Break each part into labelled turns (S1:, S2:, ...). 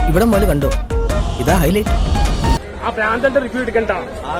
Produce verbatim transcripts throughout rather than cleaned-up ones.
S1: ഇവിടെ മുതൽ കണ്ടോ, ഇതാ ഹൈലൈറ്റ്.
S2: ആ പ്രാന്തന്റെ റിവ്യൂ എടുക്കണ്ട.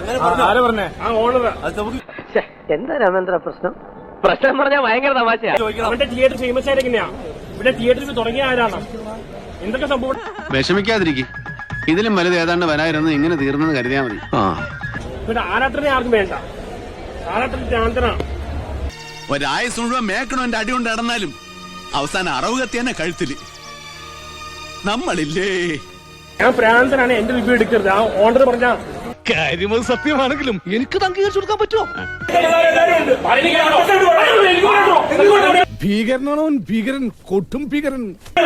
S1: എന്താ രാമേന്ദ്ര പ്രശ്നം? പ്രശ്നം പറഞ്ഞാൽ ഭയങ്കര തമാശയാ.
S2: അവന്റെ തിയേറ്റർ ഫേമസ് ആയിട്ട് എങ്ങനെയാ? ഇവിടെ തിയേറ്ററിൽ തുടങ്ങിയ ആരാണ്? എന്തൊക്കെ സംഭവം?
S3: വിഷമിക്കാതിരിക്കും. ഇതിലും വലുത് ഏതാണ്ട് വരായിരുന്നു. ഇങ്ങനെ തീർന്നെന്ന് കരുതിയാ മതി.
S2: ഇവിടെ ആരാട്ടനെ ആർക്കും വേണ്ട. ആരാട്ടൻ പ്രാന്തനാണ്.
S3: ഒരായസ് മുഴുവൻ മേക്കണോ എന്റെ അടി കൊണ്ട് നടന്നാലും അവസാനം അറവ് കത്തിയാനെ കഴുത്തില്. നമ്മളില്ലേ,
S2: ഞാൻ പ്രാന്തനാണ്, എന്റെ റിവ്യൂ എടുക്കരുത്. ആ ഓണർ പറഞ്ഞ
S4: കാര്യം സത്യമാണെങ്കിലും എനിക്ക് അംഗീകരിച്ചു കൊടുക്കാൻ പറ്റുമോ? ഭീകരനാണോ? ഭീകരൻ, കൊട്ടും ഭീകരൻ.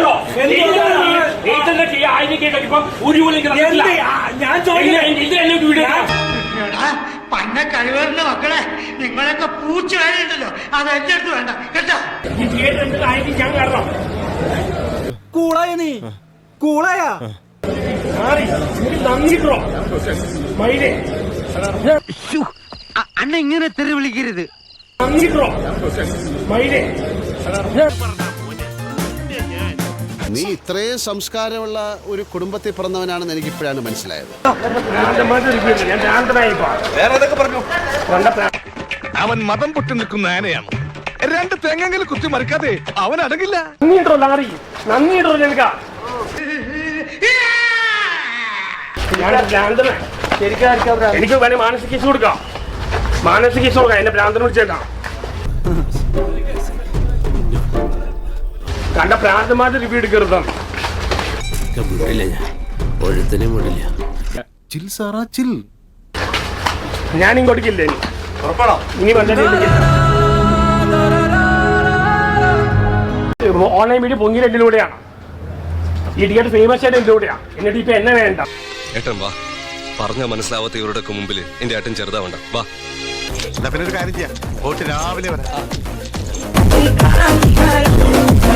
S5: പന്ന കഴിവറിന്റെ മക്കളെ, നിങ്ങളൊക്കെ പൂച്ച വേണ്ടല്ലോ, അത് എന്റെ അടുത്ത് വേണ്ട കേട്ടോ.
S1: കൂളായ നീ, കൂളായ
S5: അണ്ണ ഇങ്ങനെ തെറി വിളിക്കരുത്.
S6: നീ ഇത്രയും സംസ്കാരമുള്ള ഒരു കുടുംബത്തിൽ പിറന്നവനാണെന്ന് എനിക്ക് ഇപ്പോഴാണ് മനസ്സിലായത്.
S4: അവൻ മതം പൊട്ടി നിൽക്കുന്ന ആനയാണ്. രണ്ട് തെങ്ങെങ്കിലും കുത്തി മറിക്കാതെ അവൻ അടങ്ങില്ല.
S2: നന്ദിട്ടോ ലാറി, നന്ദിട്ടോ നിനക്ക. എനിക്ക് വേണേ മാനസിക കേസ് കൊടുക്കാം. മാനസിക കേസ് കൊടുക്കാം. എന്നെ ഭ്രാന്തനെ വിളിച്ചേക്കാം. കണ്ട ഭ്രാന്തമായിട്ട് റിവ്യൂ എടുക്കരുതാണ്. ഞാൻ ഇങ്ങോട്ടേക്കില്ലേ ഇനി വന്നിട്ട് ഓൺലൈൻ മീഡിയ പൊങ്ങിയത് എന്തിലൂടെയാണ്. ഈ ടിക്കറ്റ് ഫേമസ് ആയിട്ട് എന്തിലൂടെയാണ്. എന്നിട്ട് ഇപ്പൊ എന്നെ വേണ്ട.
S7: ഏട്ടൻ വാ, പറഞ്ഞ മനസ്സിലാവാത്ത ഇവരുടെ മുമ്പിൽ എന്റെ ഏട്ടൻ ചെറുതാവണ്ട. വാ,
S4: പിന്നെ ഒരു കാര്യം ചെയ്യാം, രാവിലെ വരാം.